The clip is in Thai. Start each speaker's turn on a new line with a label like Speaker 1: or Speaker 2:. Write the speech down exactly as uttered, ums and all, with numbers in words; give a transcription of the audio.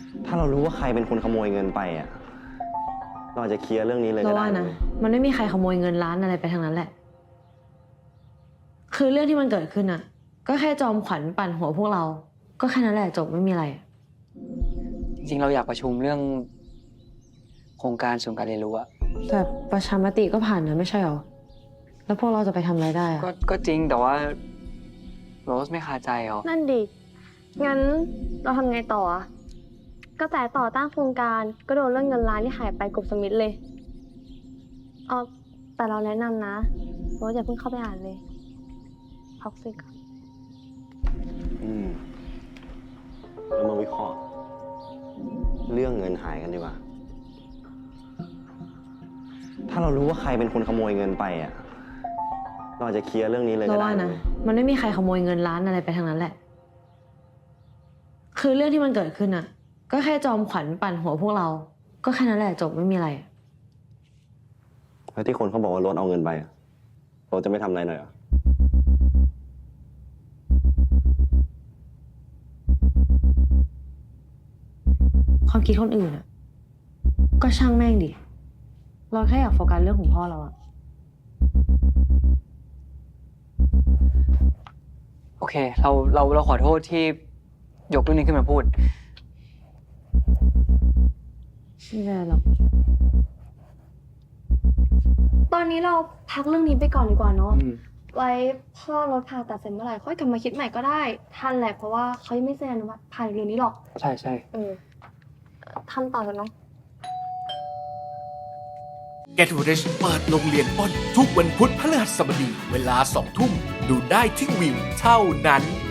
Speaker 1: ถ้าเรารู้ว่าใครเป็นคนขโมยเงินไปอ่ะเราอาจจะเคลียร์เรื่องนี้เลยก็
Speaker 2: เรา
Speaker 1: ได้
Speaker 2: ว่านะมันไม่มีใครขโมยเงินล้านอะไรไปทางนั้นแหละ คือเรื่องที่มันเกิดขึ้นอ่ะ ก็แค่จอมขวัญปั่นหัวพวกเรา ก็แค่นั้นแหละจบไม่มีอะไร
Speaker 3: จริงๆเราอยากประชุมเรื่อง โครงการศูนย์การเรียนรู้อะ
Speaker 2: แต่ประชามติก็ผ่านนะไม่ใช่หรอ แล้วพวกเราจะไปทำอะไรได้อะ
Speaker 3: ก็ก็จริงแต่ว่าโรสไม่คาใจเหรอ
Speaker 4: นั่นดิ งั้นเราทำไงต่ออะกระแสต่อต้านโครงการก็โดนเรื่องเงินล้านที่หายไปกบสมิธเลยเออแต่เราแนะนำนะว่าอย่าเพิ่งเข้าไปอ่านเลยท็อกซิก
Speaker 1: อืมเรามาวิเคราะห์เรื่องเงินหายกันดีกว่า ถ้าเรารู้ว่าใครเป็นคนขโมยเงินไปอ่ะเราอาจจะเคลียร์เรื่องนี้เลย
Speaker 2: เรา
Speaker 1: ก็ได้
Speaker 2: ว่านะมันไม่มีใครขโมยเงินล้านอะไรไปทางนั้นแหละ คือเรื่องที่มันเกิดขึ้นอ่ะ ก็แค่จอมขวัญปั่นหัวพวกเรา ก็แค่นั้นแหละจบไม่มีอะไร
Speaker 1: แล้วที่คนเขาบอกว่ารถเอาเงินไปอะเราจะไม่ทำอะไรหน่อยเหรอ
Speaker 2: ความคิดคนอื่นอ่ะ ก็ช่างแม่งดิ เราแค่อยากโฟกัสเรื่องของพ่อเราอะ
Speaker 3: โอเค เราเราเราขอโทษที่ยกเรื่องนี้ขึ้นมาพูด
Speaker 2: ไม่เป็นไรหรอก
Speaker 4: ตอนนี้เราพักเรื่องนี้ไปก่อนดีกว่าเนาะ
Speaker 3: อืม
Speaker 4: ไว้พ่อรถผ่าตัดเสร็จเมื่อไหร่ค่อยกลับมาคิดใหม่ก็ได้ ทันแหละเพราะว่าเขายังไม่เซ็นอนุมัติผ่านเรื่องนี้หรอก
Speaker 3: ใช่ใช่
Speaker 4: เออทำต่อเถอะเนาะ
Speaker 5: Get Rich เปิดโรงเรียนอ้นทุกวันพุธพฤหัสบดีเวลาสองทุ่ม ดูได้ที่วิวเท่านั้น